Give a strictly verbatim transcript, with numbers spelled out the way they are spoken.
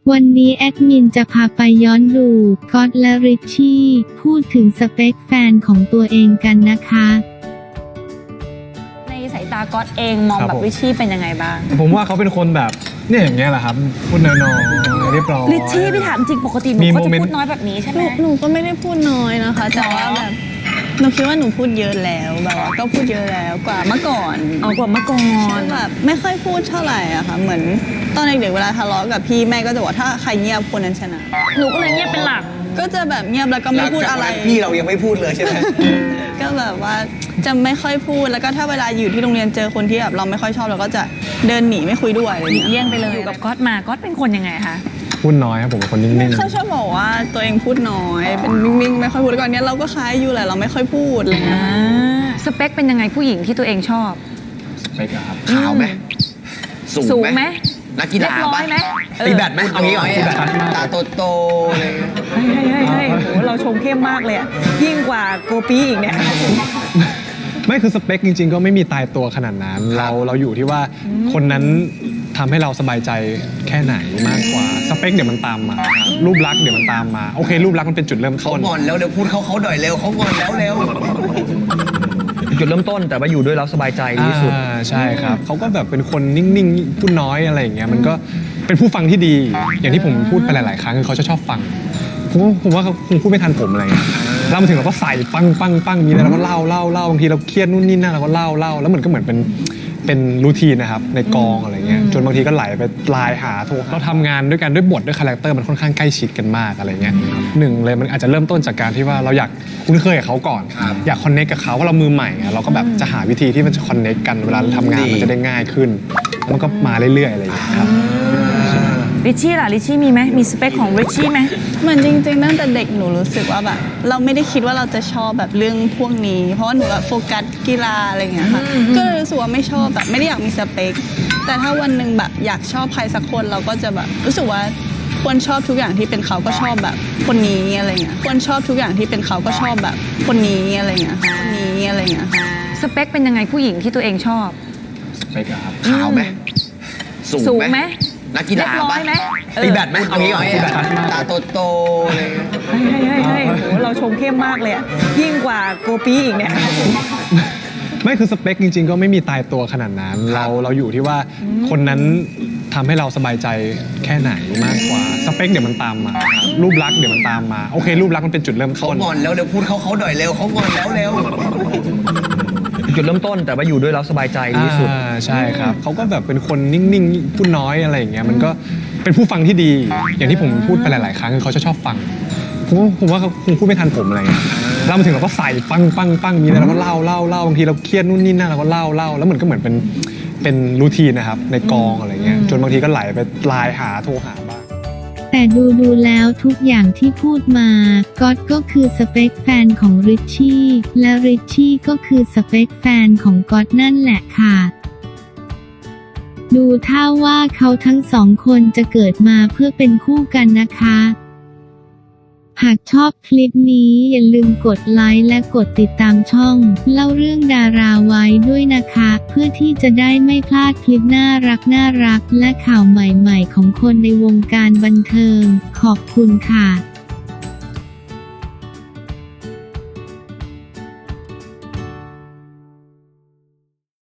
วันนี้แอดมินจะพาไปย้อนดูก๊อตและริชชี่พูดถึงสเปคแฟนของตัวเองกันนะคะในสายตาก๊อตเองมองแบบริชชี่เป็นยังไงบ้างผมว่าเขาเป็นคนแบบเนี่ยอย่างเงี้ยแหละครับพูดน้อยๆเรียบร้อยริชชี่พี่ถามจริงปกติหนูเขาจะพูดน้อยแบบนี้ใช่ไหมหนูก็ไม่ได้พูดน้อยนะคะแต่ว่าแบบหนูคิดว่าหนูพูดเยอะแล้วแบบว่าก็พูดเยอะแล้วกว่าเมื่อก่อนเอากว่าเมื่อก่อนแบบไม่ค่อยพูดเท่าไหร่อะค่ะเหมือนตอนเด็กๆเวลาทะเลาะกับพี่แม่ก็จะบอกถ้าใครเงียบคนนั้นชนะหนูก็เลยเงียบเป็นหลักก็จะแบบเงียบแล้วก็ไม่พูดอะไรพี่เรายังไม่พูดเลยใช่ไหมก็แบบว่าจะไม่ค่อยพูดแล้วก็ถ้าเวลาอยู่ที่โรงเรียนเจอคนที่แบบเราไม่ค่อยชอบเราก็จะเดินหนีไม่คุยด้วยอะไรอย่างเงี้ยเลี่ยงไปเลยอยู่กับก๊อตมาก๊อตเป็นคนยังไงคะพูดน้อยครับผมเป็นคนนิ่งๆเขาชอบบอกว่าตัวเองพูดน้อยเป็นนิ่งๆไม่ค่อยพูดก่อนเนี้ยเราก็คล้ายอยู่แหละเราไม่ค่อยพูดอะไรเงี้ยสเปคเป็นยังไงผู้หญิงที่ตัวเองชอบสเปคครับขาวไหมสูงไหมนักกีฬาร้อยไหมตีแบดไหมเอางี้เอางี้ตาโตๆอะไรเงี้ยเฮ้ยเฮ้ยโหเราชมเข้มมากเลยยิ่งกว่าโกปีอีกเนี่ยไม่คือสเปคจริงๆก็ไม่มีตายตัวขนาดนั้นเราเราอยู่ที่ว่าคนนั้นทำให้เราสบายใจแค่ไหนมากกว่าสเปคเดี๋ยวมันตามมารูปลักษณ์เดี๋ยวมันตามมาโอเครูปลักษณ์มันเป็นจุดเริ่มต้นเขางอนแล้วเดี๋ยวพูดเขาเขาหน่อยเร็วเขางอนแล้วเร็วจุดเริ่มต้นแต่ว่าอยู่ด้วยแล้วสบายใจที่สุดใช่ครับเขาก็แบบเป็นคนนิ่งๆพูดน้อยอะไรอย่างเงี้ยมันก็เป็นผู้ฟังที่ดีอย่างที่ผมพูดไปหลายๆครั้งคือเขาจะชอบฟังผมผมว่าเขาคงพูดไม่ทันผมอะไรเงี้ยเรามาถึงเราก็ใส่ปังปังปังมีอะไรเราก็เล่าเล่าเล่าบางทีเราเครียดนู่นนี่นั่นเราก็เล่าเล่าแล้วเหมือนก็เหมือนเป็นเป็นรูทีนนะครับในกองอะไรเงี้ยจนบางทีก็ไหลไปไลน์หาโทรเราทำงานด้วยกันด้วยบทด้วยคาแรคเตอร์มันค่อนข้างใกล้ชิดกันมากอะไรเงี้ยหนึ่งเลยมันอาจจะเริ่มต้นจากการที่ว่าเราอยากคุ้นเคยกับเขาก่อนอยากคอนเนคกับเขาว่าเรามือใหม่เราก็แบบจะหาวิธีที่มันจะคอนเนคกันเวลาเราทำงานมันจะได้ง่ายขึ้นมันก็มาเรื่อยๆอะไรอย่างเงี้ยครับริชชี่ล่ะริชชี่มีไหมมีสเปคของริชชี่ไหมเหมือนจริงๆตั้งแต่เด็กหนูรู้สึกว่าแบบเราไม่ได้คิดว่าเราจะชอบแบบเรื่องพวกนี้เพราะว่าหนูแบบโฟกัสกีฬาอะไรอย่างเงี้ยค่ะก็เลยรู้สึกว่าไม่ชอบแบบไม่ได้อยากมีสเปคแต่ถ้าวันหนึ่งแบบอยากชอบใครสักคนเราก็จะแบบรู้สึกว่าควรชอบทุกอย่างที่เป็นเขาก็ชอบแบบคนนี้อะไรเงี้ยควรชอบทุกอย่างที่เป็นเขาก็ชอบแบบคนนี้อะไรเงี้ยคนนี้อะไรเงี้ยสเปคเป็นยังไงผู้หญิงที่ตัวเองชอบสเปคครับขาวไหมสูงไหมนักกีฬาร้อยไหมตีแบดไหมเอางี้เอางี้ตาโตๆอะไรเงี้ยเฮ้ยเฮ้ยเฮ้ยโหเราชมเข้มมากเลยยิ่งกว่าโกปีอีกเนี่ยไม่คือสเปคจริงๆก็ไม่มีตายตัวขนาดนั้นเราเราอยู่ที่ว่าคนนั้นทำให้เราสบายใจแค่ไหนมากกว่าสเปคเดี๋ยวมันตามมารูปลักษณ์เดี๋ยวมันตามมาโอเครูปลักษณ์มันเป็นจุดเริ่มต้นเขางอนแล้วเดี๋ยวพูดเขาเขาหน่อยเร็วเขางอนแล้วเร็วจุดเริ่มต้นแต่ว่าอยู่ด้วยแล้วสบายใจที่สุดใช่ครับเขาก็แบบเป็นคนนิ่งๆพูดน้อยอะไรอย่างเงี้ยมันก็เป็นผู้ฟังที่ดีอย่างที่ผมพูดไปหลายๆครั้งคือเขาจะชอบฟังผมผมว่าเขาคงพูดไม่ทันผมอะไรเงี้ยเรามาถึงเราก็ใส่ปังปังปังมีอะไรเราก็เล่าเล่าเล่าบางทีเราเครียดนู่นนี่นั่นเราก็เล่าเล่าแล้วเหมือนก็เหมือนเป็นเป็นรูทีนนะครับในกองอะไรเงี้ยจนบางทีก็ไหลไปไลน์หาโทรหาบ้างแต่ดูดูแล้วทุกอย่างที่พูดมาก๊อตก็คือสเปคแฟนของริชชี่และริชชี่ก็คือสเปคแฟนของก๊อตนั่นแหละค่ะดูท่าว่าเขาทั้งสองคนจะเกิดมาเพื่อเป็นคู่กันนะคะหากชอบคลิปนี้อย่าลืมกดไลค์และกดติดตามช่องเล่าเรื่องดาราไว้ด้วยนะคะเพื่อที่จะได้ไม่พลาดคลิปน่ารักน่ารักและข่าวใหม่ๆของคนในวงการบันเทิงขอบคุณค่ะ